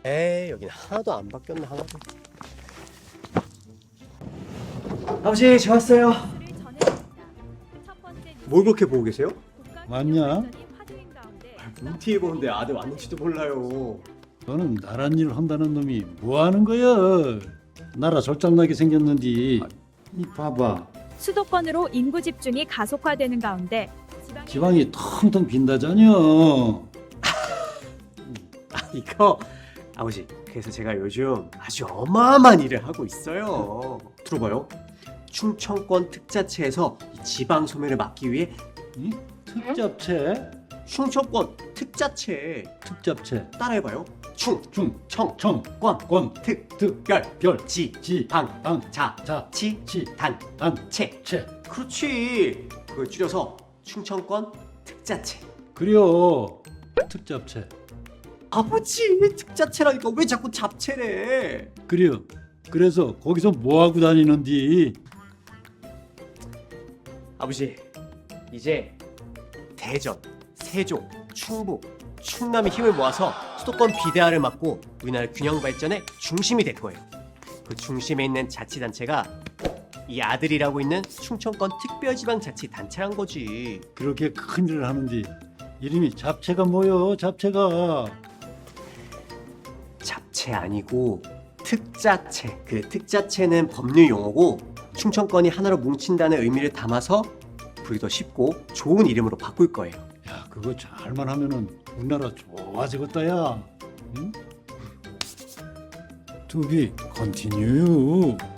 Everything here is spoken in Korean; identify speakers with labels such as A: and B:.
A: 에이, 여긴 하나도 안 바뀌었네, 하나도. 아버지, 저 왔어요. 뭘 그렇게 보고 계세요?
B: 왔냐?
A: OT에 보는데 아들 왔는지도 몰라요.
B: 너는 나란 일을 한다는 놈이 뭐 하는 거야? 나라 절장나게 생겼는디. 이 봐봐.
C: 수도권으로 인구 집중이 가속화되는 가운데
B: 지방이 텅텅 빈다잖여.
A: 이거 아버지, 그래서 제가 요즘 아주 어마어마한 일을 하고 있어요. 들어봐요. 충청권 특자체에서 이 지방 소멸을 막기 위해
B: 이 특잡채,
A: 충청권 특자체
B: 특잡채,
A: 따라해봐요. 충,
B: 중,
A: 청,
B: 청,
A: 권,
B: 권,
A: 특,
B: 특,
A: 별,
B: 별,
A: 지,
B: 지,
A: 방,
B: 방,
A: 자,
B: 자,
A: 치,
B: 치,
A: 단,
B: 단,
A: 채.
B: 채.
A: 그렇지. 그걸 줄여서 충청권 특자체.
B: 그려 특잡채.
A: 아버지, 특자체라니까 왜 자꾸 잡채래?
B: 그려. 그래서 거기서 뭐 하고 다니는디?
A: 아버지, 이제 대전, 세종, 충북, 충남의 힘을 모아서 수도권 비대화를 막고 우리나라 균형 발전의 중심이 될 거예요. 그 중심에 있는 자치단체가 이 아들이라고 있는 충청권 특별지방자치단체란 거지.
B: 그렇게 큰 일을 하는디 이름이 잡채가 뭐여? 잡채가.
A: 잡채 아니고 특자체. 그 특자체는 법률 용어고 충청권이 하나로 뭉친다는 의미를 담아서 부르기 더 쉽고 좋은 이름으로 바꿀 거예요.
B: 야, 그거 잘만 하면은 우리나라 좋아지겠다야. 응? To be continue.